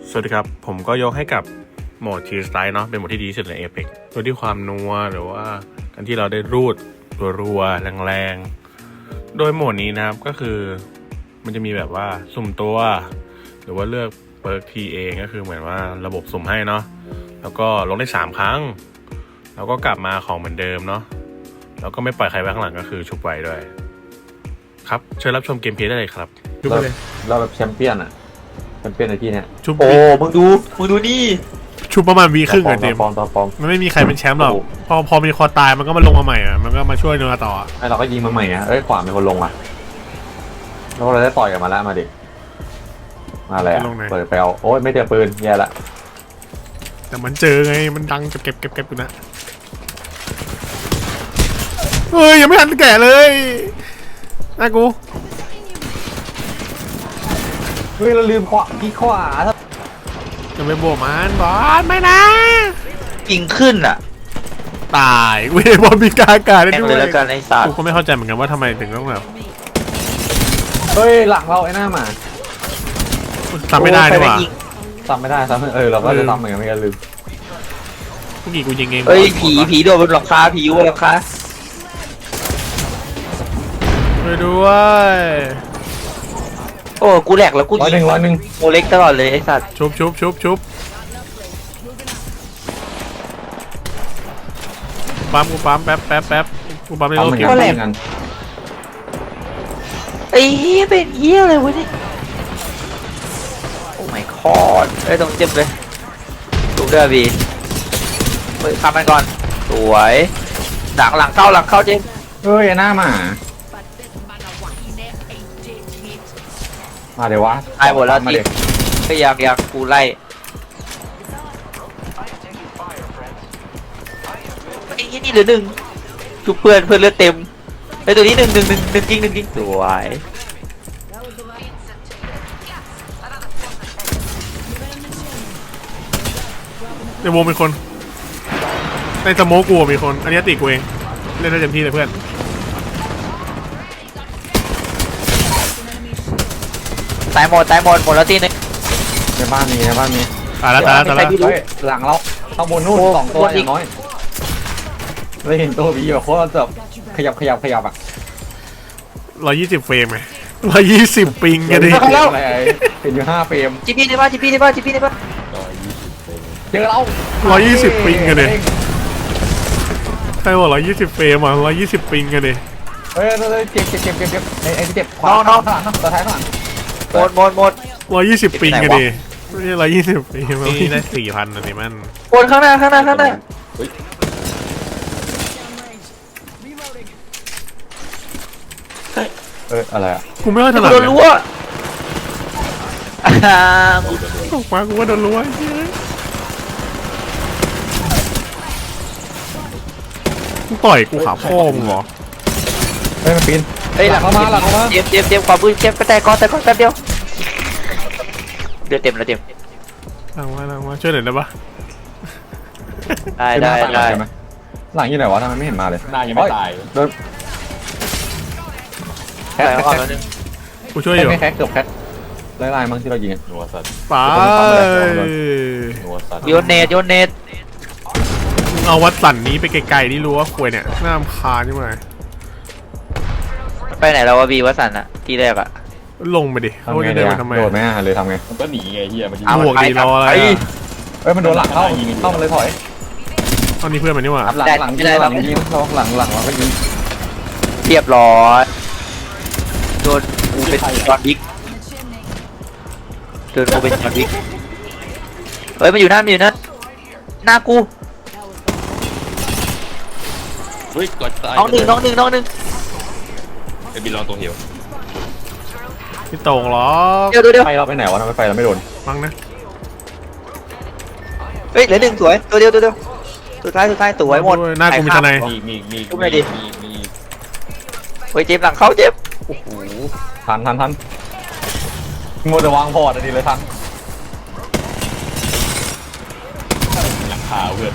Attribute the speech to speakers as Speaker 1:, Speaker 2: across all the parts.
Speaker 1: สวัสดีครับผมก็ยกให้กับโหมดทีสไตล์เนาะเป็นโหมดที่ดีที่สุดใน Apex โดยที่ความนัวหรือว่าการที่เราได้รูดรัวๆแรงๆโดยโหมดนี้นะครับก็คือมันจะมีแบบว่าสุ่มตัวหรือว่าเลือกเปิร์กทีเองก็คือเหมือนว่าระบบสุ่มให้เนาะแล้วก็ลงได้3ครั้งแล้วก็กลับมาของเหมือนเดิมเนาะแล้วก็ไม่ปล่อยใครไว้ข้างหลังก็คือชุบไว้ด้วยครับเชิญรับชมเกมเพลย์ได้เลยครับชุบไปเลย
Speaker 2: เราแบบแชมเปี้ยนอะแชมเปี้ยนในที่เนี้ย
Speaker 1: ชุบ
Speaker 2: โอ้มึงดูนี่
Speaker 1: ชุบประมาณวีครึ่งอะเจมส์
Speaker 2: ปลอม
Speaker 1: มันไม่มีใครเป็นแชมป์หรอกพอมีคอตายมันก็มาลงมาใหม่อะมันก็มาช่วยเนื้อต่ออะ
Speaker 2: ไอเราก็ยิงมาใหม่อะเอ้ยขวาเป็นคนลงอะแล้วเราได้ต่อยกันมาแล้วมาดิมาแล้วเปิดไปเอาโอ้ยไม่เจอปืนแย่ละ
Speaker 1: แต่มันเจอไงมันดังเก็บอยู่นะเฮ้ยยังไม่ทันแก่เลยน่ากู
Speaker 2: เฮ้ยเราลืมขวาที่ขวา
Speaker 1: จะไปบวกมันบอสไม่นะ
Speaker 3: ยิงขึ้นอ่ะ
Speaker 1: ตายเว้ยบอลมีกาอากาศได้
Speaker 3: แม่ง
Speaker 1: ด้ว
Speaker 3: เลย ยแล้วกันไอ้สัต
Speaker 1: กู
Speaker 3: ว์
Speaker 1: ก็ไม่เข้าใจเหมือนกันว่าทำไมถึงต้องแบบ
Speaker 2: เฮ้ยหลังเราไอ้หน้าหมา
Speaker 1: ทำไม่ได้ด้วยว่ะ
Speaker 2: ทำไม่ได้เราก็จะทำเหมือนกันไม่กันลืม
Speaker 1: เมื่อกี้กูยิงเอง
Speaker 3: เฮ้ยผีโดดบนหลังคาผีอยู่บนหลังคา
Speaker 1: ช่วยด้วย
Speaker 3: โอ้กูแหลกแล้วกู
Speaker 2: ร้อย
Speaker 3: ยิง
Speaker 2: หนึ่ง
Speaker 3: โมเล็กตลอดเลยไอ้สัตว์
Speaker 1: ชุบปั๊มกูปั๊มแป๊บกูปั๊มในโลกเกม
Speaker 2: ทำเหมือนกัน
Speaker 3: ไอ้เหี้ยเป็นเหี้ยเลยวะเนี่ยโอ้ my god ไอ้ยต้องเจ็บเลยดูเด้อบีเฮ้ยทำมันก่อนสวยหลังเข้าเจมส์
Speaker 2: เฮ้ยไอ้หน้าหมามาเดี๋ยววะ
Speaker 3: ตายหมดแล้ว
Speaker 2: มา
Speaker 3: ที
Speaker 2: เดี๋ยว
Speaker 3: ก็ยังกูไล่ไอ้เหี้ยนี่เหลือ1ชุบเพื่อนเลือดเต็มไอ้ตัวนี้หนึ่งยิงสวย
Speaker 1: ในวงมีคนในสโมกกูมีคนอันนี้ติกูเองเล่นได้เต็มที่เลยเพื่อน
Speaker 3: ตายหมดแล้วทีนึง
Speaker 2: ในบ้านมี
Speaker 1: ตายแล้ว
Speaker 2: เฮ้ยหลังเราต้องบนนู่น2ตัวอย่างน้อยเราเห็นตัวบีแบบโคตรแบบขยับอ่ะ
Speaker 1: 120เฟรมไง120ปิงกันดิ
Speaker 2: อะไรเห็นอยู่5เฟรม
Speaker 3: จีพีได้ป่ะ
Speaker 2: เจอเรา
Speaker 1: 120ปิงกันดิใครบอก120เฟรมอ่ะ120ปิงกันดิ
Speaker 2: เฮ้ยเจ็บไอ้ที่เจ็บขวาข้างหลังตัวท้ายข้างหลัง
Speaker 3: หมด
Speaker 1: 120ปิงกันดิไม่ใช่120ปิงนี่ได้4,000นะนี่มัน
Speaker 3: หมดข้างหน้า
Speaker 2: อะไรอ่ะ
Speaker 1: กูไม่ค่อยถนัด
Speaker 3: โดนรั้ว
Speaker 1: ตกมากูว่าโดนรั้วกูต่อยกูขาพ่อมึงเหรอ
Speaker 2: เฮ้ยมันปีน
Speaker 3: เฮ้ยหลังเข้ามาเจ็บความปืนเจ็บไปแต่ก่อนแป๊บเดียวเดือดเต็มแล้วเต็ม
Speaker 1: หลังมาช่วยหน่อยได้ปะ
Speaker 3: ได้
Speaker 2: หลังอยู่ไหนวะทำไมไม่เห็นมาเลย
Speaker 4: หน้ายังไม่ตาย
Speaker 2: โดนแคท
Speaker 3: ก่อนแล้วนึง
Speaker 1: กูช่วยอยู่
Speaker 2: ไม่แคทเกือบแคทไล่มั้งที่เรายิง
Speaker 4: นัวสัตว์
Speaker 1: ไป
Speaker 4: นัวสัตว์
Speaker 3: โยนเนต
Speaker 1: มึงเอาวัดสันนี้ไปไกลๆนี่รู้ว่าควยเนี่ยน่ารำคาญใช่ไหม
Speaker 3: ไปไหนแล้ววะบีวัสันอะที่แรกอะ
Speaker 1: ลงไปดิ
Speaker 2: ทำ
Speaker 1: เขา
Speaker 2: ไง
Speaker 1: จะ
Speaker 2: ดี
Speaker 1: เดิน
Speaker 2: อะ
Speaker 1: มาทำไม
Speaker 2: โดดไหมหรือทำไง
Speaker 4: มันก็หนีไงเฮียมันยิง
Speaker 1: บวกดีรออะไร
Speaker 2: เฮ้ยมันโดนหลังเข้ามาเลยถอย
Speaker 1: ตอนนี้เพื่อนมันนี่หว่า
Speaker 2: หลังยิงหลังเราก็ยิง
Speaker 3: เรียบร้อยโดนกูเป็นจอห์นวิกเฮ้ยมันอยู่นั่นหน้ากู
Speaker 4: เฮ้ยกดตาย
Speaker 3: น้องหนึ่ง
Speaker 4: ไอ้บินลองตัวเหี่ยว
Speaker 1: พี่โต่งหรอ
Speaker 3: เดี๋ยว
Speaker 2: ไฟเราไปไหนวะทำไมไฟเราไม่โดน
Speaker 1: ฟังนะ
Speaker 3: เฮ้ยเหลือ1สวยตัวเดียวสุดท้ายสวยหมด
Speaker 1: หน้ากูมีทนาย
Speaker 4: มี
Speaker 3: เฮ้ยเจ็บหลังเข้าเจ็บ
Speaker 2: โอ้โหทันมัวแต่วางพอร์ตดีเลยทัน
Speaker 4: หลังคาเพื่อน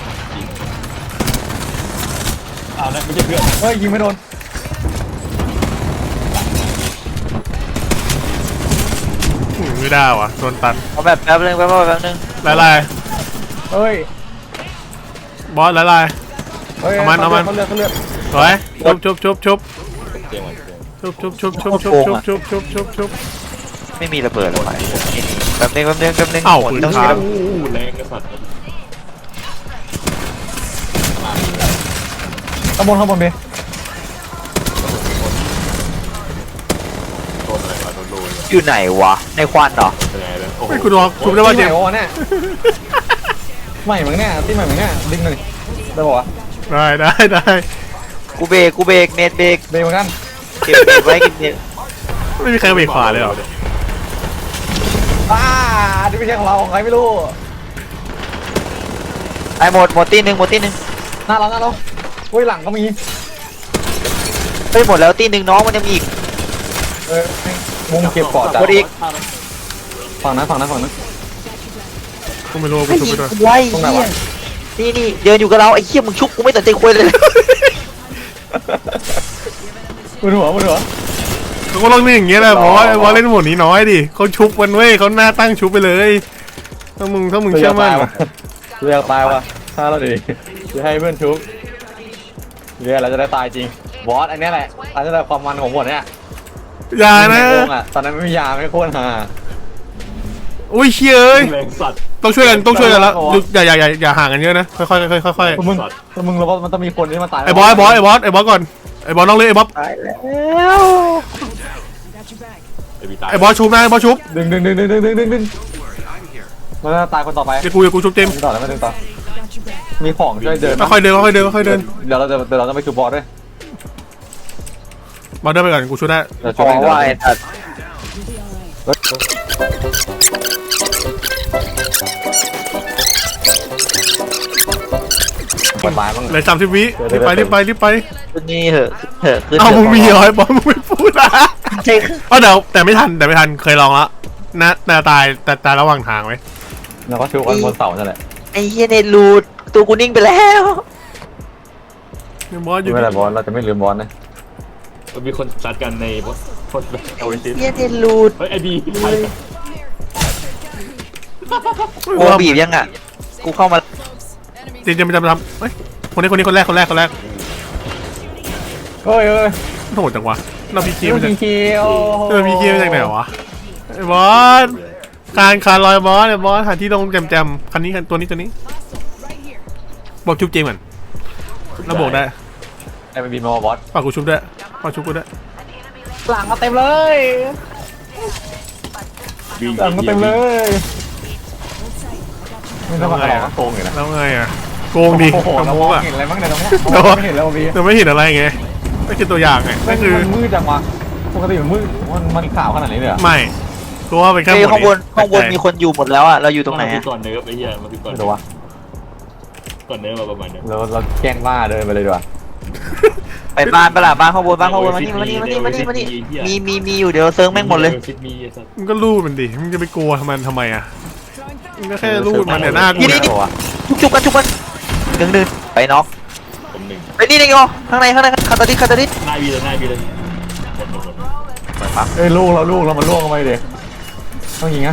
Speaker 4: เอานะไม่ใช่เพื่อน
Speaker 2: เฮ้ยยิงไม่โดน
Speaker 1: ไม่ได้วะโดนตัน
Speaker 3: เอาแบบแป๊บนึงแป๊บนึง
Speaker 1: ละลาย
Speaker 2: เฮ้ย
Speaker 1: บอสละลาย
Speaker 2: เฮ้ย
Speaker 1: เอามัน
Speaker 2: เขาเลือด
Speaker 1: สวยชุบ
Speaker 4: เตียงมัน
Speaker 1: ชุบ
Speaker 3: ไม่มีระเบิดหรอแป๊บนึง
Speaker 1: เอ้า
Speaker 3: หมด
Speaker 1: ปืน
Speaker 3: ต้อง
Speaker 1: ค้าง
Speaker 4: แรงกระสัด
Speaker 2: ข้างบนดิ
Speaker 4: โดนอะไรวะโดนโดน
Speaker 3: อยู่ไหนวะในควันเหรอ
Speaker 4: เป็นไงเลยโอ้โห
Speaker 1: ไม่กูรอชุบได้ป่ะเจม
Speaker 2: ใหม่วะเนี่ยใหม่เหมือนเนี่ยที่ใหม่เหมือนเนี่ยดึงหน่อยได้ป่าวะ
Speaker 1: ได้
Speaker 3: กูเบรกเน็ตเบรก
Speaker 2: เบรกเหมือนกัน
Speaker 3: เก็บเน็ตไว้กินเน็ต
Speaker 1: ไม่มีใครเบรกขวาเลยเหรอ
Speaker 2: นี่ไม่ใช่ของเราของใครไม่รู้
Speaker 3: ไอ้หมดตีหนึ่ง
Speaker 2: หน้าเราเฮ้ยหลังก็มี
Speaker 3: เฮ้ยหมดแล้วตีหนึ่งน้องมันยังมีอีก
Speaker 2: มุมเก็บปอดจาก
Speaker 3: หมดอีก
Speaker 2: ฝั่งนั้น
Speaker 1: กูไม่รู้กูชุบไปด้วย
Speaker 3: ไว้
Speaker 2: ตรงไหนวะ
Speaker 3: นี่เดินอยู่กับเราไอ้เหี้ยมึงชุบกูไม่สนใจคุยเลย
Speaker 2: บนหัว
Speaker 1: เขาก็ลองเล่นอย่างเงี้ยแหละเพราะว่าเล่นหมดนี้น้อยดิเขาชุบกันเว้ยเขาหน้าตั้งชุบไปเลยถ้ามึงเชื่อมั่น
Speaker 2: เรียกตายว่ะถ้าเราดิจะให้เพื่อนชุบเรียกเราจะได้ตายจริงบอสอันนี้แหละอันนี้แหละความมันของหมดเนี่ย
Speaker 1: อย่านะ
Speaker 2: ตอนนั้นไม่มียาไม่โคตรฮา
Speaker 1: อุ้ยเชี่ยเอ้ย
Speaker 4: แรงสัตว์
Speaker 1: ต้องช่วยกันแล้วอย่าห่างกันเยอะนะค่อยๆ
Speaker 2: มึงแล้วมันต้องมีคนที่มาตาย
Speaker 1: ไอ้บอสก่อนไอ้บอสน้องเลยไอ้บอส
Speaker 3: ตายแล้ว
Speaker 4: ไอ้บีตาย
Speaker 1: ไอ้บอสชุบนะไอ้บอสชุบ
Speaker 2: ดึงมันจะตายคนต่อไป
Speaker 1: เดี๋ยวกูชุบเจม
Speaker 2: ดึงต่อแล้วไม่ดึงต่อมีของช่วยเดิน
Speaker 1: ค่อยๆเดิน
Speaker 2: เดี๋ยวเราจะไปชุบบอสด้วย
Speaker 1: บอสเดินไปก่อนกูชุบได้
Speaker 2: เดี๋ยว
Speaker 3: ข
Speaker 2: ชุบ
Speaker 3: อ
Speaker 2: เอง
Speaker 3: ว่าไอ้สัตว์
Speaker 2: เปิดไม้บ้าง
Speaker 1: เหลือ30 วิรีบไป
Speaker 3: ขึ้นนี่เหอะขึ้น
Speaker 1: เอามึงมีเหรอไอ้บอสมึงไม่พูดนะ
Speaker 3: ใช่
Speaker 1: เดี๋ยวแต่ไม่ทันเคยลองแล้วนะตายระหว่างทางไหม
Speaker 2: แล้วก็ชุบกันบนเสานั่นแหละ
Speaker 3: ไอ้เหี้ยเน็ตรูดตัวกูนิ่งไปแล้ว
Speaker 1: บอสอยู่
Speaker 2: ไม่เป็นไรบอสเราจะไม่ลืมบอสนะ
Speaker 4: มันมีคนซัดกันในคนแบบโอริซิส
Speaker 3: เหี้ยเน็ตรูด
Speaker 4: เฮ้ยไอ้บี
Speaker 3: กูบีบยังอ่ะกูเข้ามา
Speaker 1: จริงๆมันจะมาทำเฮ้ยคนแรก
Speaker 2: เฮ้ย
Speaker 1: โหดจังวะเราพีคีมาจาก
Speaker 2: เคียว
Speaker 1: พีคีมาจากไหนวะไอ้บอสคานลอยบอสไอ้บอสหาที่ลงแจมคันนี้ตัวนี้บอกชุบเจมก่อนแล้วบอกได้
Speaker 2: ไอ้เป็นบีมบอส
Speaker 1: ฝากกูชุบด้วยฝากชุบกูด้วย
Speaker 2: หลังมาเต็มเลย
Speaker 4: บี
Speaker 2: หลังมาเต็มเลยไม่ต้องมาหรอกโกงอยู่นะ
Speaker 1: แล้วไงอ่ะโกงดิ
Speaker 2: โอ้โห
Speaker 1: ทำ
Speaker 2: เรา
Speaker 1: มุ
Speaker 2: ม
Speaker 1: ก
Speaker 2: อง
Speaker 1: อ่ะ
Speaker 2: เห็นอะไรบ้างเนี่ยเราไม่เห็นแล้วบี
Speaker 1: แต่ไม่เห็นอะไรไงไม่คือตัวอย่างไง
Speaker 2: มั
Speaker 1: ก็
Speaker 2: น
Speaker 1: คือ
Speaker 2: มืดจังวะปกติมันมืดมันขาวขนาดนี้เลยเหรอ
Speaker 1: ไม่กูว่าเป็นแค่
Speaker 3: เฮ้ย
Speaker 1: หมด
Speaker 3: ข้างบนมีคนอยู่หมดแล้วอ่ะเราอยู่ตรงไหน
Speaker 4: มา
Speaker 3: อะ
Speaker 4: ก่อนเนิร์ฟไอ้เหี้ยมาก่อน
Speaker 2: ไม่รู้วะ
Speaker 4: ก่อนเนิร์ฟมาประมาณนี้
Speaker 2: เราแกล้งบ้าเดินไปเลยดีกว่า
Speaker 3: ไปบ้านปะล่ะบ้านข้างบนมานี่มีอยู่เดี๋ยวเซิร์งแม่งหมดเลย
Speaker 4: ซิดมีไอ้สัตว์
Speaker 1: มึงก็รูดมันดิมึงจะไปกลัวทำไมอ่ะมึงก็แค่รูดมันเนี่ยหน้ากู
Speaker 3: นี่
Speaker 1: เนี่ย
Speaker 3: ชุบกันดึงไปน็อก
Speaker 4: ผมหนึ่ง
Speaker 3: ไปนี่เลยอ๋อข้างในคาตาดิ
Speaker 4: หน้าบีเลยหมด
Speaker 2: เอ้ยลูกเรามันล่วงลงไปดิต้องยิงนะ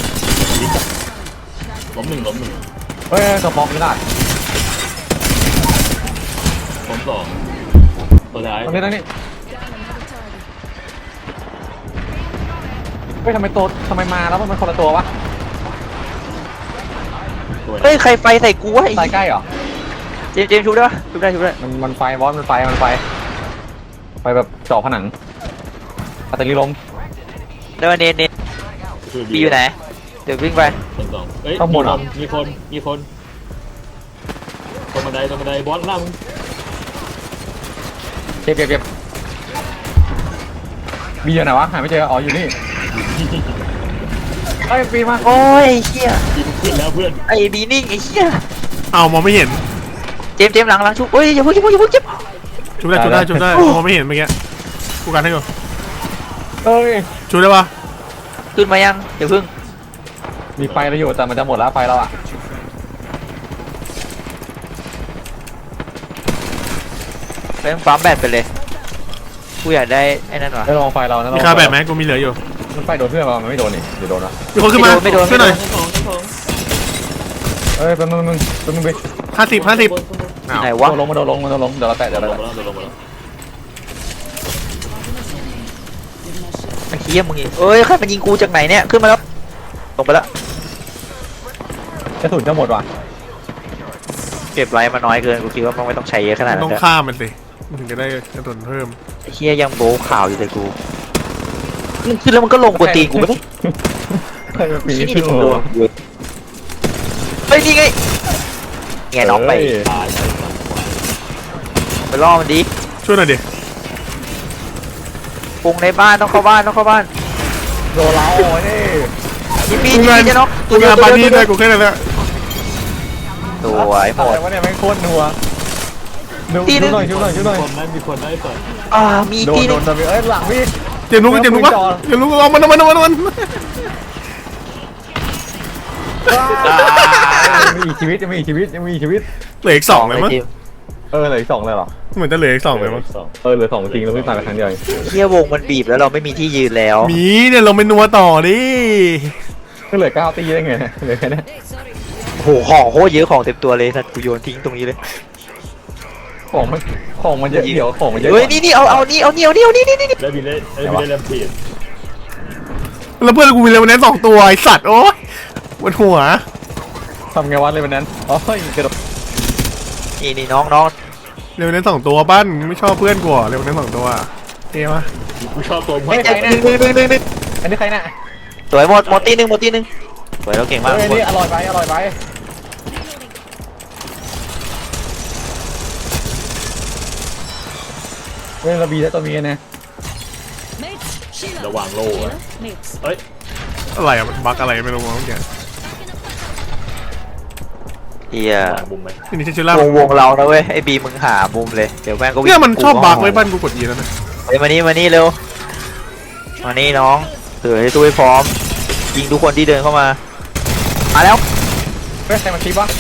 Speaker 4: ล้มหนึ่ง
Speaker 2: เฮ้ยกระป๋องไม่ได้
Speaker 4: ล้มสองตัวท้าย
Speaker 2: ตรงนี้เฮ้ยทำไมมาแล้วมันคนละตัววะ
Speaker 3: เฮ้ยใครไฟใส่กูวะ
Speaker 2: ตายใกล้เหรอ
Speaker 3: เจมชุบได้ปะชุบได้
Speaker 2: มันไฟบอสมันไฟแบบเจาะผนังอัตติลม
Speaker 3: ได้มาเนบีอยู่ไหนเดี๋ยววิ่งไป
Speaker 4: คนสองเอ้ยมีคนตรงบันไดบอสล่าง
Speaker 2: เก็บบีอยู่ไหนวะหาไม่เจออ๋ออยู่นี่เฮ้ยปีมา
Speaker 3: โอ้ยเชี่ย
Speaker 4: บีขึ้นแล้วเพื่อน
Speaker 3: ไอ้บีนิ่งไอ้เชี่ย
Speaker 1: เอามองไม่เห็น
Speaker 3: เจมหลังชุบเฮ้ยอย่าพึ่งเจ็บ
Speaker 1: ชุบได้มองไม่เห็นเมื่อกี้กูกันให้ก่อน
Speaker 2: เอ้ย
Speaker 1: ชุบได้ปะ
Speaker 3: ขึ้นมายังอย่าพึ่ง
Speaker 2: มีไฟเราอยู่แต่มันจะหมดแล้วไฟเราอ่ะ
Speaker 3: เล่นปั๊มแบตไปเลยกูอยากได้ไอ้นั่นวะ
Speaker 2: ได้ลองไฟเรานะ
Speaker 1: มีค่าแบบไหมกูมีเหลืออยู่
Speaker 2: มมันไปโดนเพื่อนมามันไม่โดนนี่เดี๋ยวโดนนะ
Speaker 1: มีคนขึ้นมาช่วยหน่อย
Speaker 4: ทั้งสอง
Speaker 2: เอ้ยเป็นมึงไป
Speaker 1: 50อ้าว
Speaker 3: ไหนวะ
Speaker 2: โดนลงเดี๋ยวเราแตะ
Speaker 4: ลงมาแล้วลงมาแล้ว
Speaker 3: ไอ้เหี้ยมึงอีกเอ้ยใครมันยิงกูจากไหนเนี่ยขึ้นมาแล้วลงไปแล้ว
Speaker 2: กระสุนจะหมดว่ะ
Speaker 3: เก็บไรมาน้อยเกินกูคิดว่ามันไม่ต้องใช้เยอะขนาดนั้
Speaker 1: ต้อน ง
Speaker 3: เลย
Speaker 1: ฆ่ามันสิมันถึงจะได้กระสุนเพิ่ม
Speaker 3: ไอ้เหี้ยยังโบว์ข่าวอยู่เลยกูมันขึ้นแล้วมันก็ลงกวนตีนกูไม่ได้
Speaker 2: ใครมาปี
Speaker 3: ที่นี่
Speaker 2: ขึ้น
Speaker 3: มึง
Speaker 2: หั
Speaker 3: โด
Speaker 2: วน
Speaker 3: เฮ้ยนี่ไงไงน้องไป
Speaker 4: ตาย
Speaker 3: ไปล่อมันดิ
Speaker 1: ช่วยหน่อยดิ
Speaker 3: ปรุงในบ้านต้องเข้าบ้าน
Speaker 2: โดนเราเนี่ย
Speaker 3: ยิงปีจะน็อก
Speaker 1: กูงานปาร์ตี้ด้วยกูแค่นั้นแหละ
Speaker 3: สวยหม
Speaker 2: อะไร
Speaker 3: ด
Speaker 2: วะเนี่ยแม่งโคตรนัวดู
Speaker 3: ตีหนึ่ง
Speaker 2: หน่อยช่วยหน่อย
Speaker 4: มีคนได้ก่อน
Speaker 3: มี
Speaker 2: โด
Speaker 3: ที
Speaker 2: น
Speaker 3: นึง
Speaker 2: เอ้ยหลังพี่
Speaker 1: เจ็บนุ๊กวะเจ็บนุ๊กเอามัน
Speaker 2: มีอีกชีวิตยังมีอีกชีวิต
Speaker 1: เหลืออีก2เลยมั้ง
Speaker 2: เหลืออีก2เลยเหรอ
Speaker 1: เหมือนจะเหลืออีก2เลยมั้ง
Speaker 2: เหลือ2จริงเราเพิ่งตายไปครั้งเดียว
Speaker 3: เฮียวงมันบีบแล้วเราไม่มีที่ยืนแล้ว
Speaker 1: มีเนี่ยเราไปนัวต่อดิ
Speaker 2: ก็เหลือ9ตีได้ไงเหลือแค่นี้
Speaker 3: โหของโคตรเยอะของเต็มตัวเลยสัตว์กูโยนทิ้งตรงนี้เลย
Speaker 2: ของมันเยอะเดี๋ยวของมันเยอะ
Speaker 3: เฮ้ยนี่เอานี่
Speaker 4: ได้บินได้แลมเพจ
Speaker 1: แล้วเพื่อนกูมีเลเวนแนน2ตัวไอสัตว์โอ๊ยปวดหัว
Speaker 2: ทำไงวะเลยวันนั้นอ๋อกระโดด
Speaker 3: นี่น้อง
Speaker 1: เลเวนแนน2ตัวปั้นไม่ชอบเพื่อนกูเลเวนแนน2ตัวเท่ปะ
Speaker 4: กูชอบตัวมึง
Speaker 3: ไม่ใจนึง
Speaker 2: อันนี้ใครน่ะ
Speaker 3: สวยหมดตีหนึ่งสวยแล้วเก่งมาก
Speaker 2: เฮ้ยนี่อร่อยไปเฮ้ยเราบีแล้วตัวมีนะ
Speaker 4: ระวังโล่เอ้ย
Speaker 1: อะไรอะมันบั๊กอะไรไม่รู้มั้งเนี่ย
Speaker 3: เฮียว
Speaker 4: างมุมไหม
Speaker 1: นี่ชิล่าว
Speaker 3: งเรานะเว้ยไอ้บีมึงหามุมเลยเดี๋ยวแม่งก็วิ่ง
Speaker 1: เนี่ยมันชอบบั๊กไว้ปั้นกูกดยีแล้วนะ
Speaker 3: เฮ้ยมานี่เร็วมานี่น้องถือให้ตู้ให้พร้อมยิงทุกคนที่เดินเข้ามาแล้ว
Speaker 2: เฮ้ยใครมาคิดวะ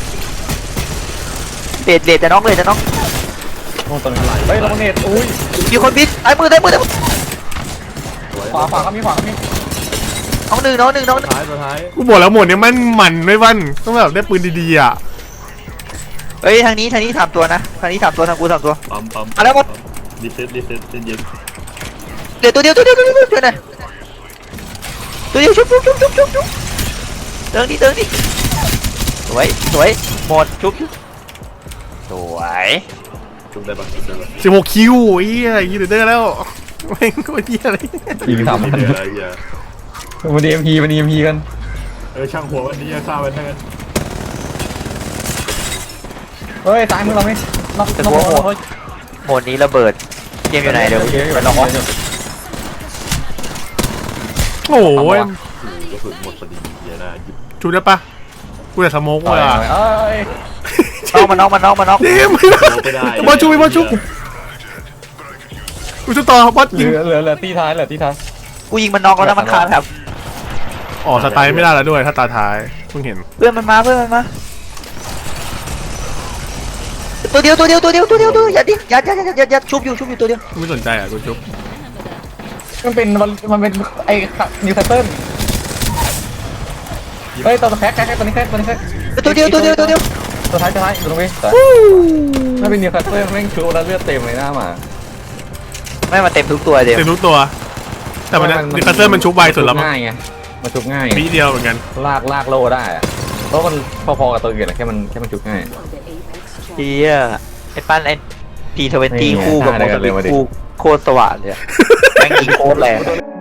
Speaker 3: เลดจะน้อง
Speaker 2: โอ้ตัวนี้เฮ้ยเราเน็ตอุ้ย
Speaker 3: มีคนบิดไอ้มือ
Speaker 2: ขวาก็มี
Speaker 3: น้องหนึ่ง
Speaker 4: ท้ายตัวท้าย
Speaker 1: กูบอกแล้วหมดเนี่ยมันไม่ปั้นต้องแบบได้ปืนดีๆอ่ะ
Speaker 3: เฮ้ยทางนี้ถามตัวนะทางนี้ถามตัวทางกูถามตัว
Speaker 4: ปั๊ม
Speaker 3: มาแล้วหมด
Speaker 4: รีเซ็ตเย็น
Speaker 3: เดี๋ยวตัวเดียวช่วยหน่อยตัวเดียวชุบเดินดิสวยหมดชุบสวย
Speaker 4: จุ่มได้ปะ
Speaker 1: 16คิวไอ้เหี้ยยีเดอร์แล้วแม่งโคตรเหี้ยอะไร
Speaker 2: ยิง
Speaker 4: ไม่
Speaker 2: 3,000
Speaker 4: เหลืออะไรอย่า
Speaker 2: มันดีเอ็มพีกัน
Speaker 4: ช่างหัววันนี้ฆ่ามันทั้งนั้น
Speaker 2: เฮ้ยซ้ายมือเราไม่น็อกเฮ้ย
Speaker 3: หมดนี้ระเบิดเกมอยู่ไหนเดี๋ยวไปลอง
Speaker 1: โอ้ย
Speaker 4: กระสุนหมดพอดีเยอะนะหยิบ
Speaker 1: ชูได้ปะกูจะสโมกว่ะ
Speaker 2: เอ้ย
Speaker 3: มันน็อก
Speaker 1: เดม
Speaker 4: ไม่ได้
Speaker 1: บอลชุบกูจะต่อบอล
Speaker 2: เห
Speaker 1: ยิง
Speaker 2: ลือตีท้าย
Speaker 3: กูยิงมันน็อกแล้วนะมันคานครับ
Speaker 1: อ๋อสไตล์ไม่ได้แล้วด้วยถ้าตาท้ายเพิ่งเห็น
Speaker 3: เพื่อนมันมาตัวเดียวอย่าชุบอยู่ตัวเดียว
Speaker 1: กูไม่สนใจอ่ะกูชุบ
Speaker 2: มันเป็นไอ้นิวคาสเซิลเฮ้ยตัวแพ็คตัวนี้แพ็ค
Speaker 3: ตัวเดียว
Speaker 2: ตัวท้ายอยู่ตรงนี้ถ้าเป็นนิวคาสเซิลแม่งชูแล้วเลือดเต็มเลยหน้าหมา
Speaker 3: ไม่มาเต็มทุกตัวเดียว
Speaker 1: เต็มทุกตัว แต่มันดิคัสเซอร์มันชุบไวสุดแล้วมั้ง
Speaker 2: ง่ายไงมันชุบง่าย
Speaker 1: ปีเดียวเหมือนกัน
Speaker 2: ลากโลได้อะเพราะมันพอๆกับตัวอื่นแค่มันชุบง่าย
Speaker 3: เฮียไอ้ปั้นไอ้P20 คู่กับโมโตคู่โคตรสว่างเลยแม่งยิงโคตรแรง